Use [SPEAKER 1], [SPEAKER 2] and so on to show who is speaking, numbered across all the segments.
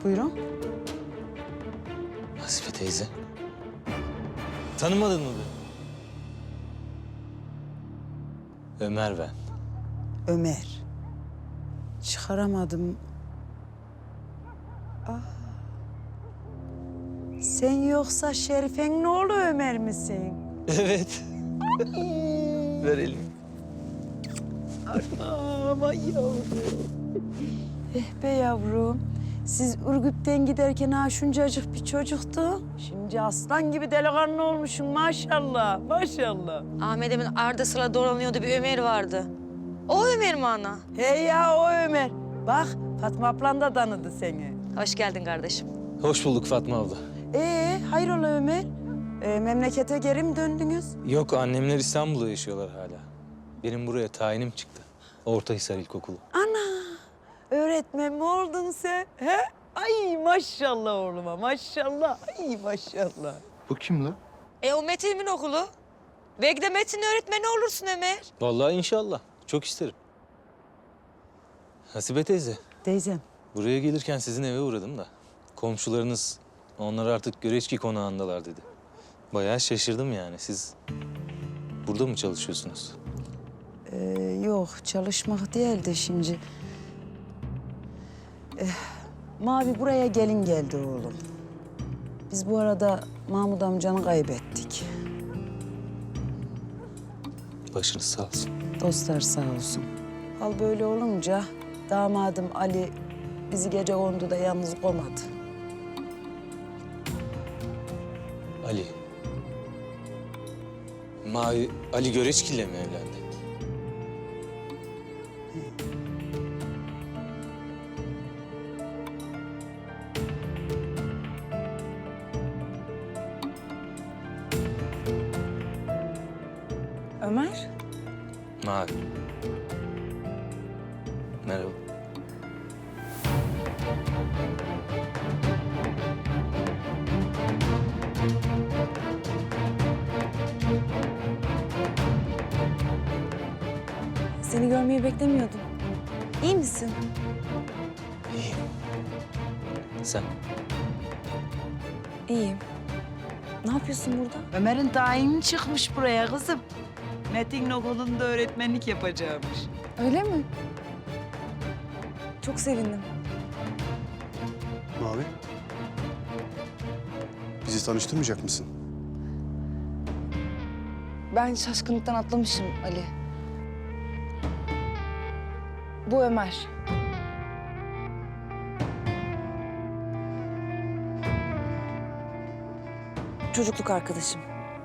[SPEAKER 1] Buyurun.
[SPEAKER 2] Hasibe teyze. Tanımadın mı beni? Ömer ben.
[SPEAKER 1] Ömer. Çıkaramadım. Sen yoksa Şerife'nin oğlu Ömer misin?
[SPEAKER 2] Evet. Ver elini.
[SPEAKER 1] Aman yavrum. Be yavrum. Siz Ürgüp'ten giderken ha şuncacık bir çocuktu. Şimdi aslan gibi delikanlı olmuşsun maşallah, maşallah.
[SPEAKER 3] Ahmet'imin ardı sıra dolanıyordu bir Ömer vardı. O Ömer mi ana?
[SPEAKER 1] He ya o Ömer. Bak Fatma ablan da tanıdı seni.
[SPEAKER 3] Hoş geldin kardeşim.
[SPEAKER 2] Hoş bulduk Fatma abla.
[SPEAKER 1] Hayrola Ömer? Memlekete geri mi döndünüz?
[SPEAKER 2] Yok, annemler İstanbul'da yaşıyorlar hala. Benim buraya tayinim çıktı. Ortahisar İlkokulu.
[SPEAKER 1] Ana! Öğretmen mi oldun sen? He? Ay maşallah oğluma, maşallah. Ay maşallah.
[SPEAKER 4] Bu kim lan?
[SPEAKER 3] O Metin'imin okulu. Belki de Metin öğretmeni olursun Ömer.
[SPEAKER 2] Vallahi inşallah. Çok isterim. Hasibe teyze,
[SPEAKER 1] Teyzem.
[SPEAKER 2] buraya gelirken sizin eve uğradım da. Komşularınız, onlar artık Göreçki konağındalar dedi. Bayağı şaşırdım yani. Siz burada mı çalışıyorsunuz?
[SPEAKER 1] Yok çalışmak değil de şimdi. Mavi buraya gelin geldi oğlum. Biz bu arada Mahmut amcanı kaybettik.
[SPEAKER 2] Başınız sağ olsun.
[SPEAKER 1] Dostlar sağ olsun. Hal böyle olunca damadım Ali bizi gece konduda yalnız koymadı.
[SPEAKER 2] Ali. Mavi, Ali Göreçki'yle mi evlendi?
[SPEAKER 5] Ömer,
[SPEAKER 2] Mavi. Merhaba.
[SPEAKER 5] seni görmeyi beklemiyordum. İyi misin?
[SPEAKER 2] İyiyim. Sen?
[SPEAKER 5] İyiyim. Ne yapıyorsun burada?
[SPEAKER 1] Ömer'in tayini çıkmış buraya kızım. Metin okulunda öğretmenlik yapacakmış.
[SPEAKER 5] Öyle mi? Çok sevindim.
[SPEAKER 4] Mavi. Bizi tanıştırmayacak mısın?
[SPEAKER 5] Ben şaşkınlıktan atlamışım Ali. Bu Ömer. Çocukluk arkadaşım.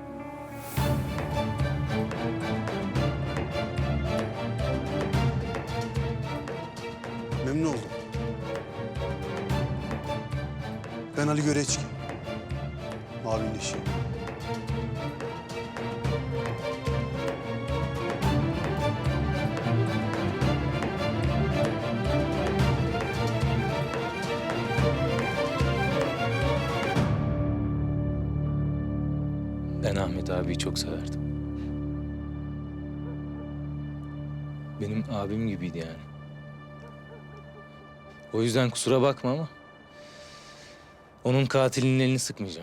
[SPEAKER 4] Memnun oldum. Ben Ali Göreçki. Mavi'nin eşi.
[SPEAKER 2] Ben Ahmet abiyi çok severdim. Benim abim gibiydi yani. O yüzden kusura bakma ama onun katilinin elini sıkmayacağım.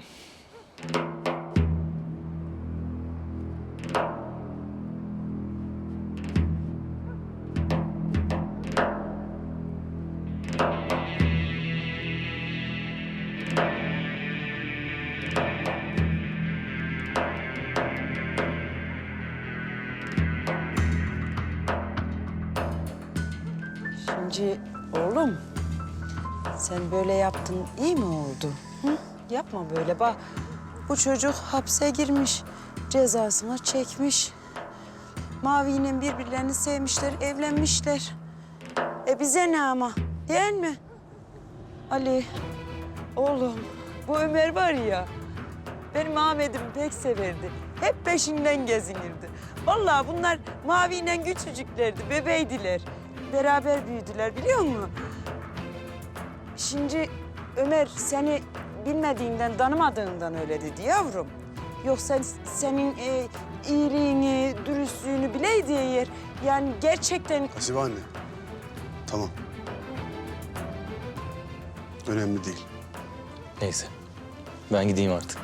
[SPEAKER 1] Şimdi oğlum sen böyle yaptın iyi mi oldu? Hı? Yapma böyle bak. Bu çocuk hapse girmiş. Cezasını çekmiş. Mavi'yle birbirlerini sevmişler, evlenmişler. Bize ne ama değil mi? Ali, oğlum bu Ömer var ya benim Ahmet'imi pek severdi. Hep peşinden gezinirdi. Vallahi bunlar Mavi'yle küçücüklerdi, bebeydiler. Beraber büyüdüler biliyor musun? Şimdi Ömer seni bilmediğinden, tanımadığından öyle dedi yavrum. Yoksa senin iyiliğini, dürüstlüğünü bileydi eğer. Yani gerçekten...
[SPEAKER 4] Hasibe anne. Tamam. Önemli değil.
[SPEAKER 2] Neyse. Ben gideyim artık.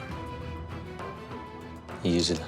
[SPEAKER 2] İyi geceler.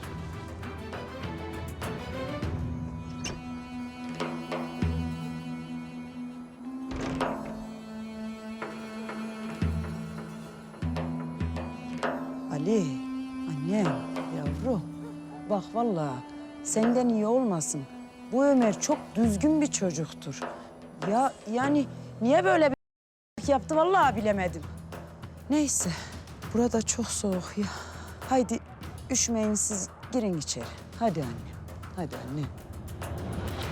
[SPEAKER 1] Ali, annem, yavrum. Bak vallahi senden iyi olmasın. Bu Ömer çok düzgün bir çocuktur. Ya yani niye böyle bir yaptı vallahi bilemedim. Neyse, burada çok soğuk ya. Haydi üşümeyin siz girin içeri. Hadi anne, hadi anne.